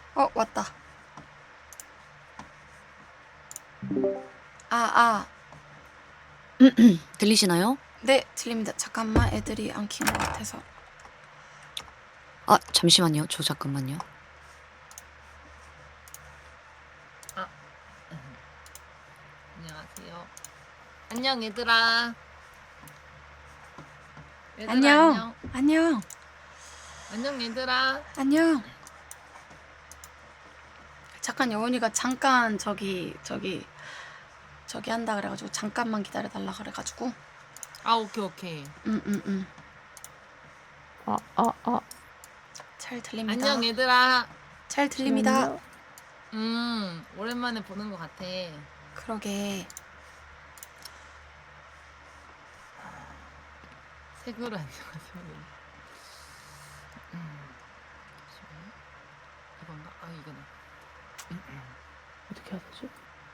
왔다. 아, 들리시나요? 네, 들립니다. 잠깐만, 애들이 안 킨 것 같아서. 아, 잠시만요. 저 잠깐만요. 안녕하세요. 안녕 얘들아. 안녕. 안녕. 안녕 얘들아. 안녕. 잠깐 여운이가 잠깐 저기 한다 그래가지고 잠깐만 기다려달라 그래가지고. 아 오케이. 잘 들립니다. 안녕 얘들아. 잘 들립니다. 오랜만에 보는 것 같아. 그러게. 세그루 안녕하세요. 이건가? 아 이거네. 어떻게 해야 되지?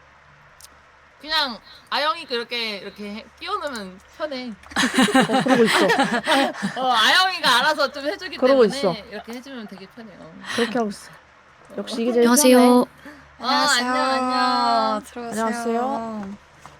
그냥 아영이 이렇게 끼워놓으면 편해. 그러고 있어. 아영이가 알아서 좀 해주기 그러고 때문에 있어. 이렇게 해주면 되게 편해요. 그렇게 하고 있어. 역시 이게 제일 안녕하세요. 안녕하세요. 안녕. 들어오세요. 안녕하세요.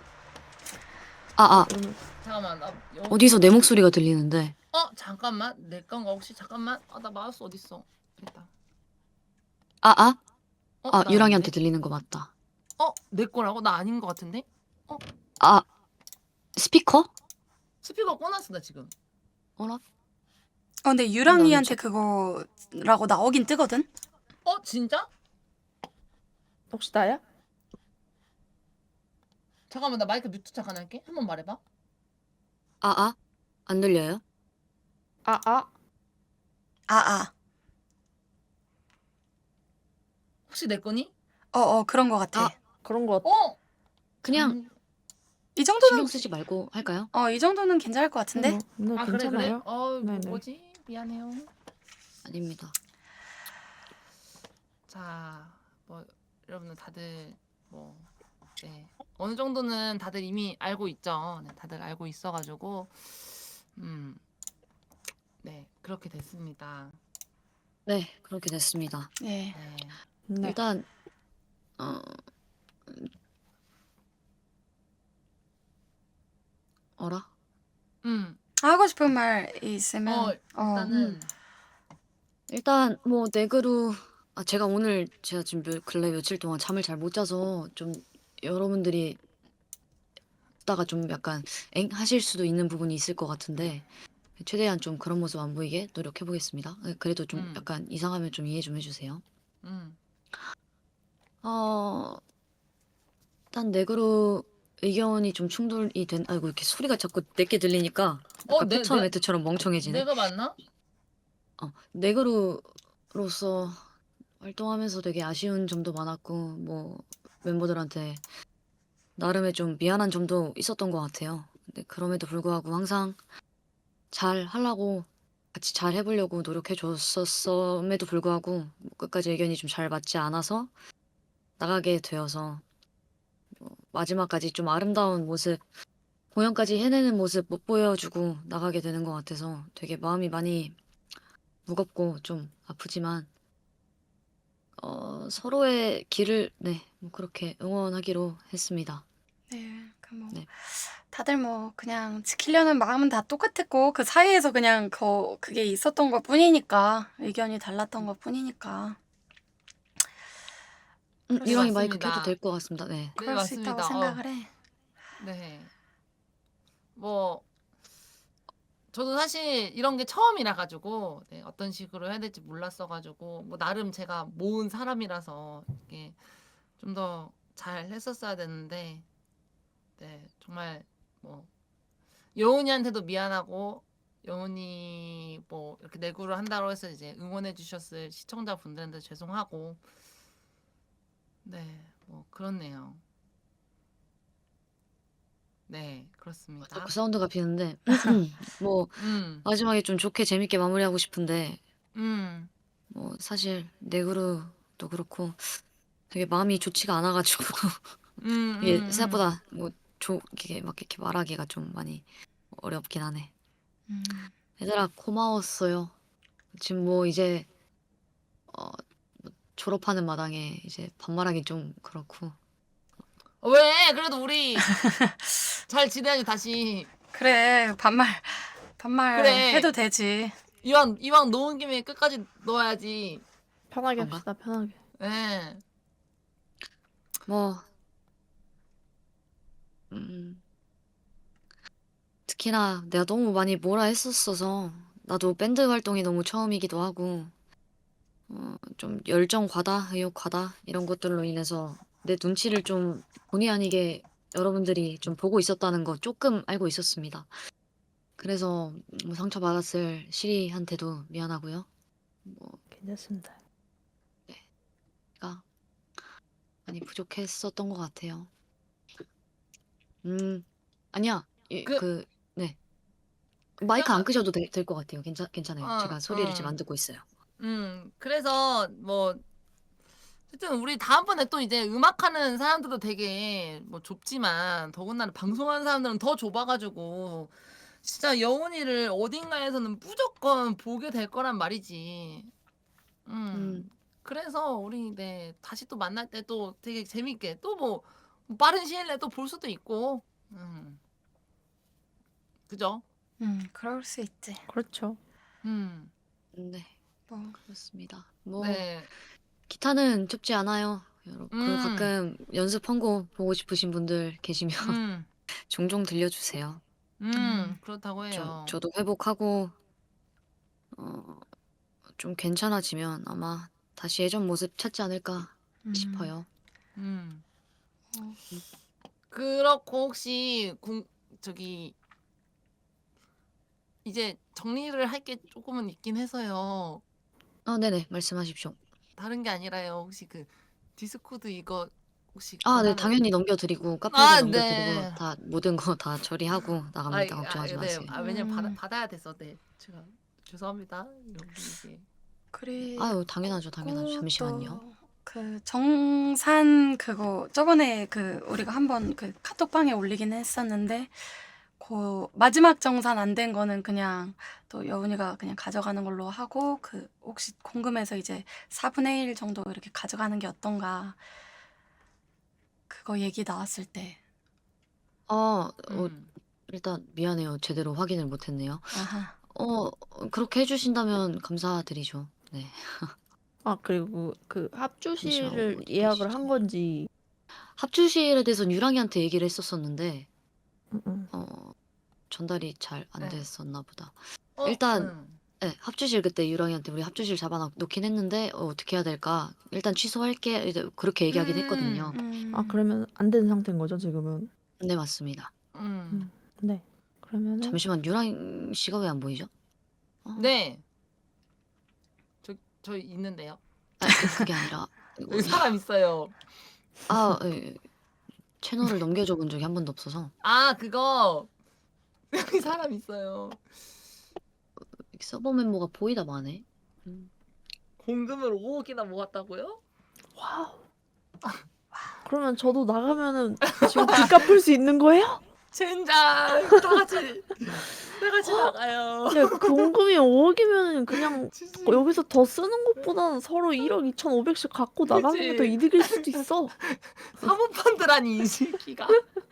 아, 잠깐만 나 어디서 내 목소리가 들리는데. 잠깐만 내 건가 혹시 잠깐만. 나 마우스 어딨어? 됐다. 아, 나 유랑이한테 아닌데? 들리는 거 맞다. 내 거라고? 나 아닌 것 같은데? 아, 스피커? 스피커 꺼놨어 나 지금. 어라? 근데 유랑이한테 그거라고 나오긴 뜨거든? 진짜? 혹시 나야? 잠깐만 나 마이크 뮤트 잠깐 할게. 한번 말해봐. 안 들려요? 혹시 내 거니? 그런 거 같아. 그런 거 그냥 이 정도는, 신경 쓰지 말고 할까요? 이 정도는 괜찮을 것 같은데? 네, 그래? 괜찮아요. 네네. 뭐지? 미안해요. 아닙니다. 자, 여러분들 다들 어느 정도는 다들 이미 알고 있죠. 네, 다들 알고 있어가지고 네 그렇게 됐습니다. 네, 그렇게 됐습니다. 네. 네. 일단 어라? 하고 싶은 말 있으면. 일단은 뭐 네그루 제가 지금 근래 며칠 동안 잠을 잘 못 자서 좀 여러분들이 듣다가 좀 약간 엥 하실 수도 있는 부분이 있을 것 같은데 최대한 좀 그런 모습 안 보이게 노력해 보겠습니다. 그래도 좀 약간 이상하면 좀 이해 좀 해주세요. 일단 네그루 의견이 좀 충돌이 아이고 이렇게 소리가 자꾸 내게 들리니까 약간 표처 매트처럼 멍청해지네. 내가 맞나? 네그루로서 활동하면서 되게 아쉬운 점도 많았고 뭐 멤버들한테 나름의 좀 미안한 점도 있었던 것 같아요. 근데 그럼에도 불구하고 항상 잘 하려고 같이 잘 해보려고 노력해 줬었음에도 불구하고 뭐 끝까지 의견이 좀 잘 맞지 않아서 나가게 되어서 마지막까지 좀 아름다운 모습, 공연까지 해내는 모습 못 보여주고 나가게 되는 것 같아서 되게 마음이 많이 무겁고 좀 아프지만 서로의 길을 뭐 그렇게 응원하기로 했습니다. 네. 네. 다들 뭐 그냥 지키려는 마음은 다 똑같았고 그 사이에서 그냥 그게 있었던 것 뿐이니까, 의견이 달랐던 것 뿐이니까 유랑이 마이크 맞습니다. 켜도 될 것 같습니다. 네. 그럴 수 있다고 생각을 해. 네. 저도 사실 이런 게 처음이라 가지고 어떤 식으로 해야 될지 몰랐어 가지고 나름 제가 모은 사람이라서 이게 좀 더 잘 했었어야 되는데 정말 여운이한테도 미안하고 여운이 이렇게 내구를 한다고 해서 이제 응원해 주셨을 시청자분들한테 죄송하고 그렇네요. 네, 그렇습니다. 자꾸 사운드가 비는데 뭐 마지막에 좀 좋게 재밌게 마무리하고 싶은데 뭐 사실 네그루도 그렇고 되게 마음이 좋지가 않아가지고 이게 생각보다 이게 막 이렇게 말하기가 좀 많이 어렵긴 하네. 얘들아 고마웠어요. 지금 뭐 이제 졸업하는 마당에 이제 반말하기 좀 그렇고. 왜? 그래도 우리 잘 지내야지 다시. 그래, 반말 그래. 해도 되지. 이왕 놓은 김에 끝까지 놓아야지. 편하게 그런가? 합시다, 편하게. 예. 뭐 음, 특히나 내가 너무 많이 뭐라 했었어서 나도 밴드 활동이 너무 처음이기도 하고 좀 열정 과다, 의욕 과다 이런 것들로 인해서 내 눈치를 좀 본의 아니게 여러분들이 좀 보고 있었다는 거 조금 알고 있었습니다. 그래서 뭐 상처받았을 시리한테도 미안하고요. 뭐 괜찮습니다. 내가 많이 부족했었던 것 같아요. 아니야. 그- 네. 마이크 안 끄셔도 될 것 같아요. 괜찮아요. 제가 소리를 지금 응. 안 듣고 있어요. 그래서 뭐 하여튼 우리 다음번에 또 이제 음악하는 사람들도 되게 뭐 좁지만 더군다나 방송하는 사람들은 더 좁아가지고 진짜 여운이를 어딘가에서는 무조건 보게 될 거란 말이지. 음, 그래서 우리 다시 또 만날 때 또 되게 재밌게 또 뭐 빠른 시일 내에 또 볼 수도 있고. 그죠? 그럴 수 있지. 그렇죠. 음. 네. 뭐, 그렇습니다. 뭐 네. 기타는 춥지 않아요. 여러분. 그리고 음. 가끔 연습 헌곡 보고 싶으신 분들 계시면 음. 종종 들려주세요. 그렇다고 좀 해요. 저도 회복하고 좀 괜찮아지면 아마 다시 예전 모습 찾지 않을까 싶어요. 음. 어, 그렇고 혹시 저기 이제 정리를 할 게 조금은 있긴 해서요. 네네. 말씀하십시오. 다른 게 아니라요. 혹시 그 디스코드 이거 혹시 네. 권한을 당연히 넘겨드리고 카페도 넘겨드리고 네. 다 모든 거 다 처리하고 나갑니다. 걱정하지 네. 마세요. 왜냐면 음. 받아야 돼서 제가 죄송합니다. 이게 그리고 당연하죠. 잠시만요. 또 그 정산 그거 저번에 그 우리가 한번 그 카톡방에 올리긴 했었는데 그 마지막 정산 안 된 거는 그냥 또 여운이가 그냥 가져가는 걸로 하고 그 혹시 궁금해서 이제 4분의 1 정도 이렇게 가져가는 게 어떤가 그거 얘기 나왔을 때 일단 미안해요. 제대로 확인을 못했네요. 아하 그렇게 해주신다면 감사드리죠. 네. 그리고 그 잠시만 합주실을 어디 예약을 계시지? 한 건지. 합주실에 대해서는 유랑이한테 얘기를 했었었는데 음, 음. 전달이 잘 안 네. 됐었나 보다. 일단 음. 네, 합주실 그때 유랑이한테 우리 합주실 잡아놓긴 했는데 어떻게 해야 될까? 일단 취소할게. 이제 그렇게 얘기하긴 했거든요. 그러면 안 된 상태인 거죠, 지금은? 네, 맞습니다. 네. 그러면은 잠시만 유랑 씨가 왜 안 보이죠? 네. 저 있는데요. 그게 아니라 여기 사람 있어요. 예. 채널을 넘겨줘 본 적이 한 번도 없어서 그거 여기 사람 있어요. 서버 멤버가 보이다 마네. 공금을 5억이나 모았다고요? 와우. 그러면 저도 나가면은 지금 빚 갚을 수 있는 거예요? 젠장 다 같이 나가요. 야, 공금이 5억이면은 그냥 지지. 여기서 더 쓰는 것보다는 서로 1억 2,500씩 갖고 나가는 게 더 그치. 이득일 수도 있어. 사모펀드라니 이 새끼가.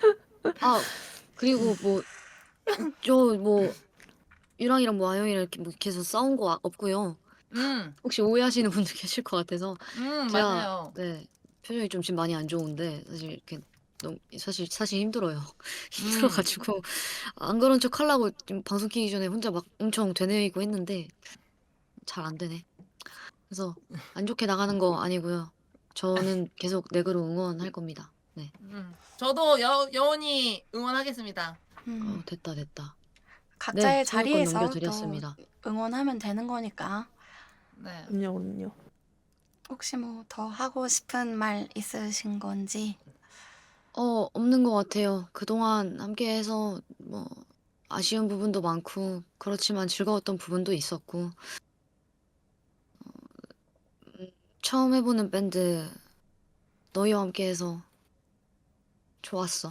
그리고 저 유랑이랑 아영이랑 이렇게 계속 싸운 거 없고요. 혹시 오해하시는 분들 계실 것 같아서 제가 맞아요. 네, 표정이 좀 지금 많이 안 좋은데 사실 이렇게 너무 사실 힘들어요. 힘들어가지고 안 그런 척 하려고 지금 방송 키기 전에 혼자 막 엄청 되뇌이고 했는데 잘 안 되네. 그래서 안 좋게 나가는 거 아니고요. 저는 계속 넥으로 응원할 겁니다. 네. 저도 여운이 응원하겠습니다. 됐다. 네, 각자의 소유권 자리에서 또 넘겨드렸습니다. 응원하면 되는 거니까 네. 그럼요. 혹시 뭐 더 하고 싶은 말 있으신 건지 없는 것 같아요. 그동안 함께해서 아쉬운 부분도 많고 그렇지만 즐거웠던 부분도 있었고 처음 해보는 밴드 너희와 함께해서 좋았어.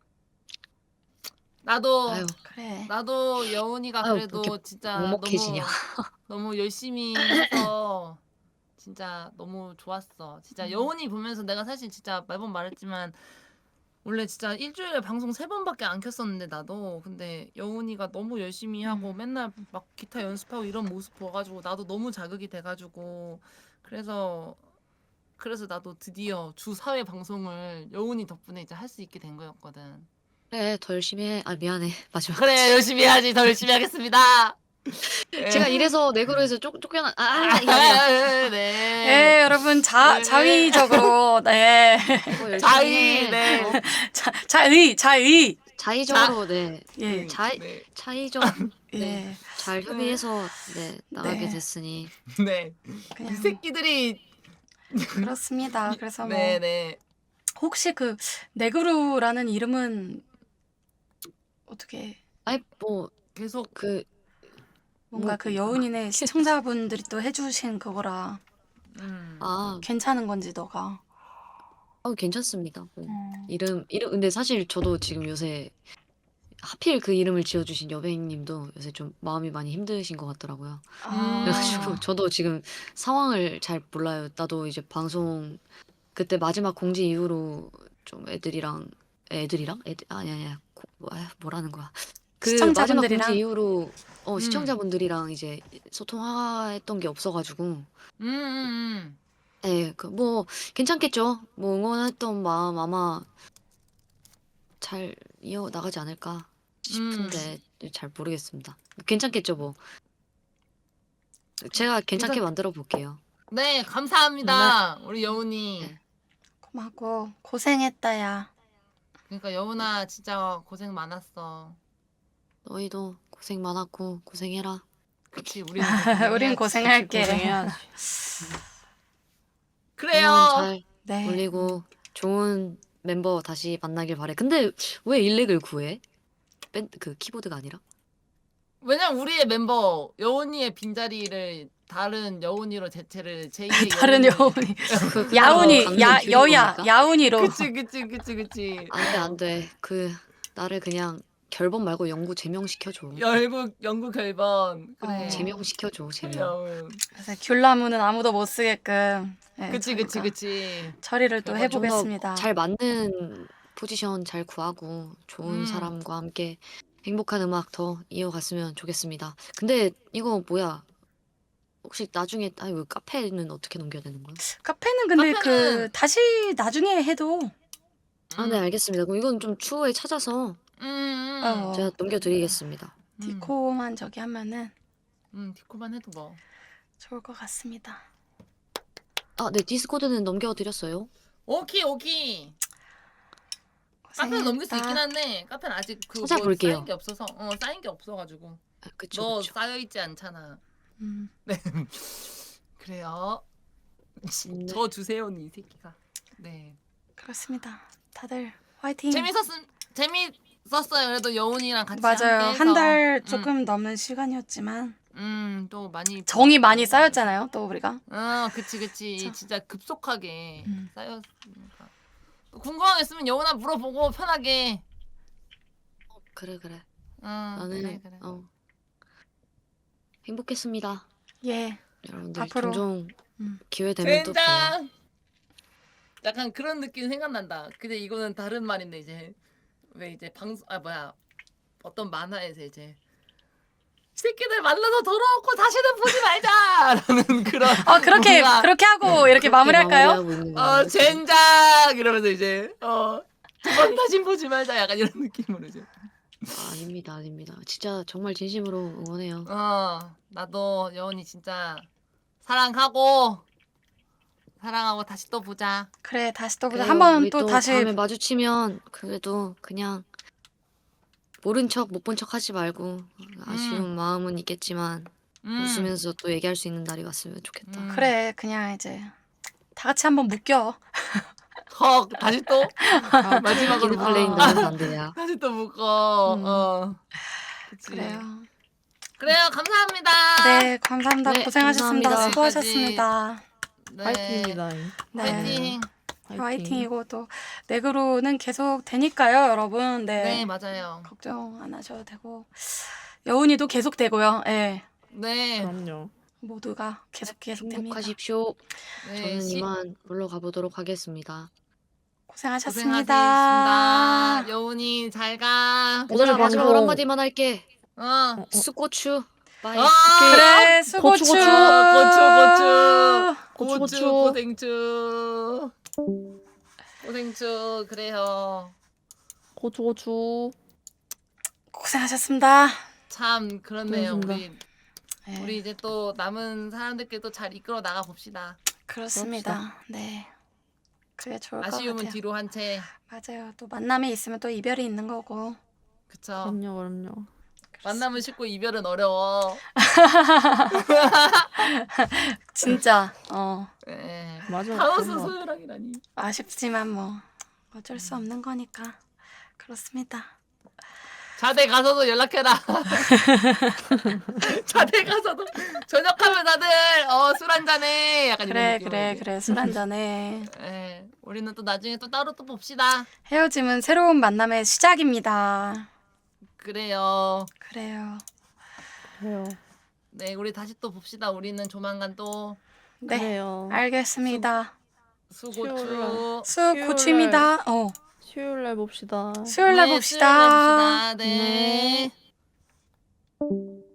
아유, 나도 여운이가 아유, 왜 그래도 이렇게 진짜 먹먹해지냐. 너무 열심히 해서 진짜 너무 좋았어. 진짜 여운이 보면서 내가 사실 진짜 매번 말했지만 원래 진짜 일주일에 방송 3번밖에 안 켰었는데 나도 근데 여운이가 너무 열심히 하고 맨날 막 기타 연습하고 이런 모습 봐가지고 나도 너무 자극이 돼가지고 그래서 나도 드디어 주 4회 방송을 여운이 덕분에 이제 할 수 있게 된 거였거든. 그래, 더 열심히 해. 아, 미안해. 마지막. 그래 열심히 해야지. 더 열심히 하겠습니다. 제가 이래서 내그로에서 쫓겨난, 이게 아니라. 네, 네. 여러분 네. 자위적으로 네. 더 열심히 자의 해. 네. 어? 자의 자의적으로, 네. 예. 네. 차이적, 예. 네. 잘 협의해서, 네, 나가게 네. 됐으니. 네. 이 그냥 새끼들이 그렇습니다. 그래서 뭐 네네. 혹시 그 네그루라는 이름은 어떻게 아이, 뭐, 계속 뭔가 뭐, 그 여운이네 시청자분들이 또 해주신 그거라 아, 괜찮은 건지 너가 괜찮습니다. 뭐. 음. 이름, 근데 사실 저도 지금 요새 하필 그 이름을 지어주신 여배님도 요새 좀 마음이 많이 힘드신 것 같더라고요. 그래가지고 아, 저도 지금 상황을 잘 몰라요. 나도 이제 방송 그때 마지막 공지 이후로 좀 애들이랑 아니야 뭐라는 거야. 그 마지막 시청자분들이랑? 공지 이후로 시청자분들이랑 이제 소통했던 게 없어가지고 뭐 괜찮겠죠. 뭐 응원했던 마음 아마 잘 이어 나가지 않을까 싶은데 잘 모르겠습니다. 괜찮겠죠 뭐. 제가 괜찮게 만들어 볼게요. 네 감사합니다. 우리 여운이. 네. 고맙고 고생했다 야. 그러니까 여운아 진짜 고생 많았어. 너희도 고생 많았고 고생해라. 그치 우리는 우린 고생할게. 고생해야지. 그래요. 응원 잘 네. 올리고 좋은 멤버 다시 만나길 바래. 근데 왜 일렉을 구해? 그 키보드가 아니라? 왜냐면 우리의 멤버 여운이의 빈자리를 다른 여운이로 대체를 제2의 다른 여운이 그 야운이 강릉 야 줄인 여야 겁니까? 야운이로 그치. 안 돼. 나를 그냥 결번 말고 영구 제명시켜줘. 영구 결번. 그래. 제명시켜줘, 제명. 여운. 그래서 귤나무는 아무도 못 쓰게끔 네, 그치. 처리를 또 결번 해보겠습니다. 잘 맞는 포지션 잘 구하고 좋은 사람과 함께 행복한 음악 더 이어갔으면 좋겠습니다. 근데 이거 뭐야? 혹시 나중에 왜 카페는 어떻게 넘겨야 되는 거야? 카페는 근데 카페는- 그 다시 나중에 해도 네, 알겠습니다. 그럼 이건 좀 추후에 찾아서 제가 넘겨드리겠습니다. 디코만 저기 하면은 디코만 해도 뭐. 좋을 것 같습니다. 네, 디스코드는 넘겨드렸어요. 오키. 카페는 넘길 수 고생했다. 있긴 한데 카페는 아직 그 찾아볼게요. 쌓인 게 없어서 쌓인 게 없어가지고 그쵸, 너 그쵸. 쌓여 있지 않잖아. 음, 네. 그래요. 네. 저 주세요, 이 새끼가. 네. 그렇습니다. 다들 화이팅. 재밌었어요. 그래도 여운이랑 같이 맞아요. 함께해서. 한 달 조금 넘는 시간이었지만 또 많이 정이 많이 쌓였잖아요. 또 우리가. 그치. 그쵸. 진짜 급속하게 음. 쌓였으니까. 궁금한 거 있으면 여운아 물어보고 편하게. 그래. 나는 나는 행복했습니다. 예. 여러분들 앞으로. 종종 음. 기회 되면 또 봬요. 젠장. 약간 그런 느낌 생각난다. 근데 이거는 다른 말인데 이제 왜 이제 어떤 만화에서 이제 새끼들 만나서 더러웠고 다시는 보지 말자라는 그런 그렇게 뭔가 그렇게 하고 이렇게 마무리할까요? 마무리하고 있는 거예요. 젠장 이러면서 이제 두 번 다시 보지 말자 약간 이런 느낌으로 이제 아닙니다. 진짜 정말 진심으로 응원해요. 나도 여운이 진짜 사랑하고 다시 또 보자. 그래 다시 또 보자. 그래요. 한번 우리 또 또 다시 다음에 마주치면 그래도 그냥 모른 척 못 본 척 하지 말고 아쉬운 마음은 있겠지만 웃으면서 또 얘기할 수 있는 날이 왔으면 좋겠다. 그래 그냥 이제 다 같이 한번 묶여. 다시 또 마지막으로 기드 플레인 너무 반대야. 다시 또 묶어. 그치. 그래요. 감사합니다. 네 감사합니다. 네, 고생하셨습니다. 감사합니다. 수고하셨습니다. 네. 화이팅입니다. 네. 화이팅. 화이팅이고 또 네그로는 계속 되니까요, 여러분. 네, 네. 맞아요. 걱정 안 하셔도 되고 여운이도 계속 되고요. 예. 네. 그럼요. 모두가 계속됩니다. 행복하십시오. 네, 저는 이만 물러가 보도록 하겠습니다. 고생하셨습니다. 고생하셨습니다. 여운이 잘 가. 얘들아 오늘 마지막으로 방송- 한마디만 할게. 어. 수고추. 바이. 그래 수고추. 고추, 고추 고추. 고생추. 고생추 그래요. 고추. 고생하셨습니다. 참 그렇네요. 고생하셨습니다. 네, 우리 이제 또 남은 사람들끼리 잘 이끌어 나가 봅시다. 그렇습니다. 네. 그게 좋을 것 아쉬움은 같아요. 뒤로 한 채. 맞아요. 또 만남이 있으면 또 이별이 있는 거고. 그쵸. 그럼요. 만남은 쉽고 이별은 어려워. 진짜 네. 맞아. 하우스 그런 것 같아. 소유랑이라니. 아쉽지만 뭐 어쩔 수 없는 거니까 그렇습니다. 자대 가서도 연락해라. 자대 가서도 저녁하면 다들 술 한잔해. 약간 이런 느낌으로. 그래 술 한잔해. 예, 우리는 또 나중에 또 따로 또 봅시다. 헤어짐은 새로운 만남의 시작입니다. 그래요. 그래요. 그래요. 네, 우리 다시 또 봅시다. 우리는 조만간 또 네, 그래요. 알겠습니다. 수고추. 수고추입니다. 수요일 날 봅시다. 수요일 날 네, 봅시다. 수요일 날 봅시다. 네. 네.